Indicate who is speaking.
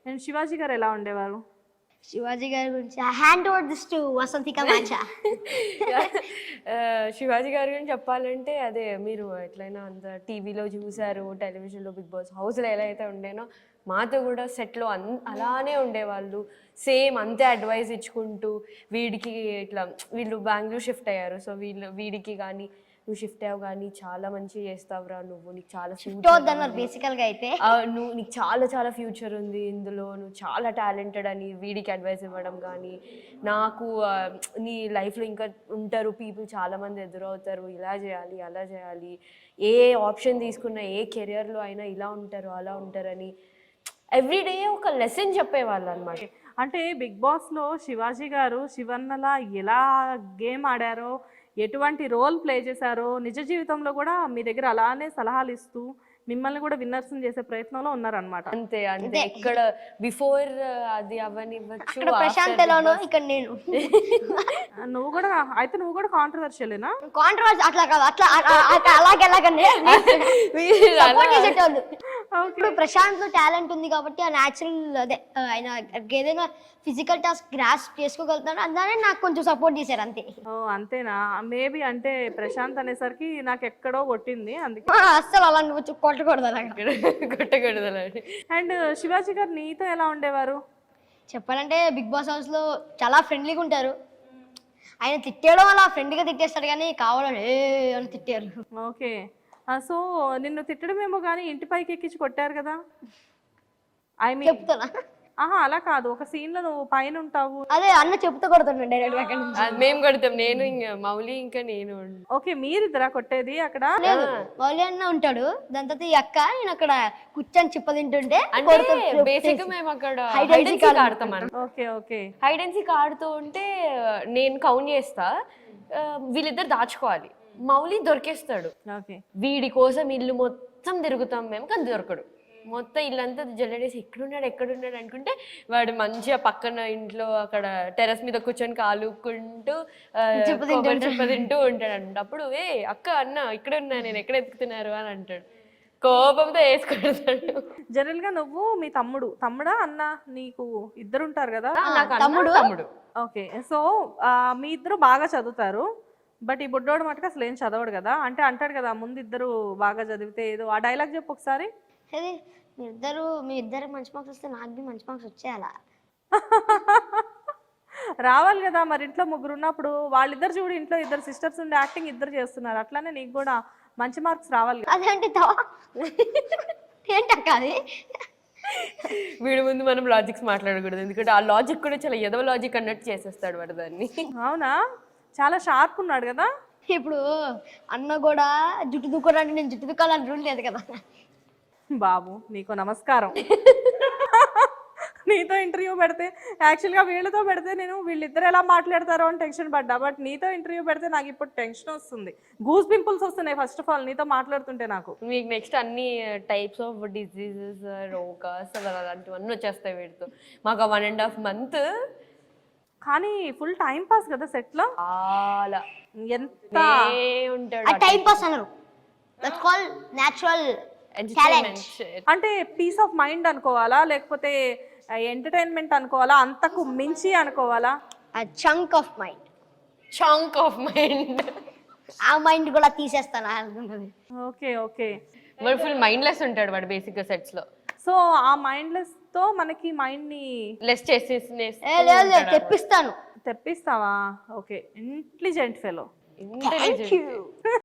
Speaker 1: And Shivaji గారు ఎలా ఉండేవారు?
Speaker 2: శివాజీ గారి గురించి hand over this to Vasanthika మాచా.
Speaker 3: శివాజీ గారి గురించి చెప్పాలంటే అదే మీరు ఎట్లయినా అంత టీవీలో చూసారు, టెలివిజన్లో బిగ్ బాస్ హౌస్లో ఎలా అయితే ఉండేనో మాతో కూడా సెట్లో అలానే ఉండేవాళ్ళు. సేమ్ అంతే అడ్వైస్ ఇచ్చుకుంటూ వీడికి ఇట్లా వీళ్ళు బెంగళూరు షిఫ్ట్ అయ్యారు. సో వీడికి కానీ నువ్వు షిఫ్ట్ అయ్యావు కానీ చాలా మంచిగా చేస్తావురా నువ్వు, నీకు చాలా
Speaker 2: బేసికల్గా అయితే
Speaker 3: నువ్వు నీకు చాలా చాలా ఫ్యూచర్ ఉంది ఇందులో, నువ్వు చాలా టాలెంటెడ్ అని వీడికి అడ్వైస్ ఇవ్వడం కానీ, నాకు నీ లైఫ్లో ఇంకా ఉంటారు పీపుల్ చాలామంది ఎదురవుతారు, ఇలా చేయాలి అలా చేయాలి, ఏ ఆప్షన్ తీసుకున్నా ఏ కెరియర్లో అయినా ఇలా ఉంటారు అలా ఉంటారని ఎవ్రీడే ఒక లెసన్ చెప్పేవాళ్ళు అనమాట.
Speaker 1: అంటే బిగ్ బాస్లో శివాజీ గారు శివన్నలా ఎలా గేమ్ ఆడారో, ఎటువంటి రోల్ ప్లే చేశారో, నిజ జీవితంలో కూడా మీ దగ్గర అలానే సలహాలు ఇస్తూ మిమ్మల్ని కూడా విన్నర్స్ చేసే ప్రయత్నంలో ఉన్నారనమాట.
Speaker 3: అంతే అంటే ఇక్కడ బిఫోర్ అది అవనివ్వచ్చు,
Speaker 2: ప్రశాంత్ ఎలానో ఇక్కడ నేను.
Speaker 1: నువ్వు కూడా కాంట్రవర్షియలేనా?
Speaker 2: కాంట్రవర్షి అట్లా కాదు, అట్లా అలాగెలాగండి ఇప్పుడు ప్రశాంత్ లో టాలెంట్ ఉంది కాబట్టి ఆ న్యాచురల్ అదే ఆయన ఏదైనా ఫిజికల్ టాస్క్ గ్రాస్ప్ చేసుకోగలుగుతాడు, అందుకనే నాకు కొంచెం సపోర్ట్ చేశారు అంతే.
Speaker 1: అంతేనా? మేబీ అంటే ప్రశాంత్ అనేసరికి నాకు ఎక్కడో కొట్టింది, అందుకే
Speaker 2: అస్సలు అలా కొట్టకూడదు
Speaker 1: అండ్ శివాజీ గారు నీతో ఎలా ఉండేవారు?
Speaker 2: చెప్పాలంటే బిగ్ బాస్ హౌస్ లో చాలా ఫ్రెండ్లీగా ఉంటారు. ఆయన తిట్టేయడం అలా ఫ్రెండ్గా తిట్టేస్తాడు కానీ కావాలని అని తిట్టారు.
Speaker 1: ఓకే, సో నిన్ను తిట్టడమేమో కానీ ఇంటి పైకి ఎక్కించి కొట్టారు కదా? ఐ మీన్
Speaker 2: చెప్తానా?
Speaker 1: అలా కాదు, ఒక సీన్ లో నువ్వు పైన ఉంటావు.
Speaker 2: అదే అన్న చెప్తూ కొడుతుండే డైరెక్ట్ గా.
Speaker 3: మేము కొడతాం, నేను ఇంకా మౌలి ఇంకా నేను.
Speaker 1: ఓకే, మీరిద్దరా కొట్టేది అక్కడ?
Speaker 2: లేదు, మౌలి అన్న ఉంటాడు, దాని తర్వాత ఈ అక్క నేను అక్కడ కూర్చొని చిప్ప తింటుంటే
Speaker 3: బేసిక్ మేము అక్కడ హైడ్ అండ్ సీక్ ఆడతాం.
Speaker 1: Okay okay,
Speaker 3: hide and seek ఆడుతూ ఉంటే నేను కౌంట్ చేస్తా, వీళ్ళిద్దరు దాచుకోవాలి, మౌలి దొరికేస్తాడు. వీడి కోసం ఇల్లు మొత్తం తిరుగుతాం మేము, కానీ దొరకడు. మొత్తం ఇల్లంతా జల్లడేసి ఎక్కడున్నాడు అనుకుంటే వాడు మంచిగా పక్కన ఇంట్లో అక్కడ టెర్రస్ మీద కూర్చొని కాలుకుంటూ చిప్ప తింటూ ఉంటాడు అంట. అప్పుడు అక్క అన్న ఇక్కడ ఉన్నా, నేను ఎక్కడ ఎత్తుకుతున్నారు అని అంటాడు, కోపంతో వేసుకుంటాడు.
Speaker 1: జనరల్ గా నువ్వు మీ తమ్ముడా అన్న, నీకు ఇద్దరు ఉంటారు కదా?
Speaker 3: తమ్ముడు.
Speaker 1: ఓకే, సో మీ ఇద్దరు బాగా చదువుతారు, బట్ ఈ బుడ్డోడు మటుకు అసలు ఏం చదవడు కదా? అంటే అంటాడు కదా ముందు ఇద్దరు బాగా చదివితే ఏదో, ఆ డైలాగ్ చెప్పు ఒకసారి.
Speaker 2: మీ ఇద్దరు మంచి మార్క్స్ వస్తే నాకు బి మంచి మార్క్స్ వచ్చేయాలా?
Speaker 1: రావాలి కదా మరి, ఇంట్లో ముగ్గురు ఉన్నప్పుడు. వాళ్ళిద్దరు చూడు, ఇంట్లో ఇద్దరు సిస్టర్స్ ఉండి యాక్టింగ్ ఇద్దరు చేస్తున్నారు, అట్లానే నీకు కూడా మంచి మార్క్స్ రావాలి.
Speaker 2: అదేంటి ఏంటక్క అది?
Speaker 3: వీడి ముందు మనం లాజిక్స్ మాట్లాడకూడదు, ఎందుకంటే ఆ లాజిక్ కూడా చాలా ఎదవ లాజిక్ అన్నట్టు చేసేస్తాడు వాడు దాన్ని.
Speaker 1: అవునా? చాలా షార్ప్ ఉన్నాడు కదా.
Speaker 2: ఇప్పుడు అన్న కూడా జుట్టు దుక్కోడానికి నేను జుట్టు దుక్కాలని రూల్ లేదు కదా.
Speaker 1: బాబు నీకు నమస్కారం. నీతో ఇంటర్వ్యూ పెడితే, యాక్చువల్గా వీళ్ళతో పెడితే నేను వీళ్ళిద్దరు ఎలా మాట్లాడతారో అని టెన్షన్ పడ్డా, బట్ నీతో ఇంటర్వ్యూ పెడితే నాకు ఇప్పుడు టెన్షన్ వస్తుంది, గూస్ పింపుల్స్ వస్తున్నాయి ఫస్ట్ ఆఫ్ ఆల్ నీతో మాట్లాడుతుంటే. నాకు
Speaker 3: మీకు నెక్స్ట్ అన్ని టైప్స్ ఆఫ్ డిసీజెస్, రోగాస్ అలాంటివన్నీ వచ్చేస్తాయి వీడితో. మాకు 1.5 month
Speaker 1: కానీ ఫుల్ టైం పాస్ కదా సెట్ లో.
Speaker 3: అలా
Speaker 1: ఎంత
Speaker 3: ఉంటాడు
Speaker 2: టైం పాస్ అన్నారు, దట్స్ కాల్డ్ నేచురల్ టాలెంట్.
Speaker 1: అంటే పీస్ ఆఫ్ మైండ్ అనుకోవాలా, లేకపోతే ఎంటర్టైన్మెంట్ అనుకోవాలా, అంతకు మించి అనుకోవాలా?
Speaker 2: చంక్ ఆఫ్ మైండ్, ఆ మైండ్ కూడా తీసేస్తాను అనుకుంటుంది.
Speaker 1: ఓకే ఓకే,
Speaker 3: వాడు ఫుల్ మైండ్లెస్ ఉంటాడు వాడు బేసిక్ గా సెట్స్ లో.
Speaker 1: సో ఆ మైండ్లెస్ తో మనకి మైండ్ ని
Speaker 3: లెస్ చేసి
Speaker 2: తెప్పిస్తావా?
Speaker 1: Okay, intelligent fellow.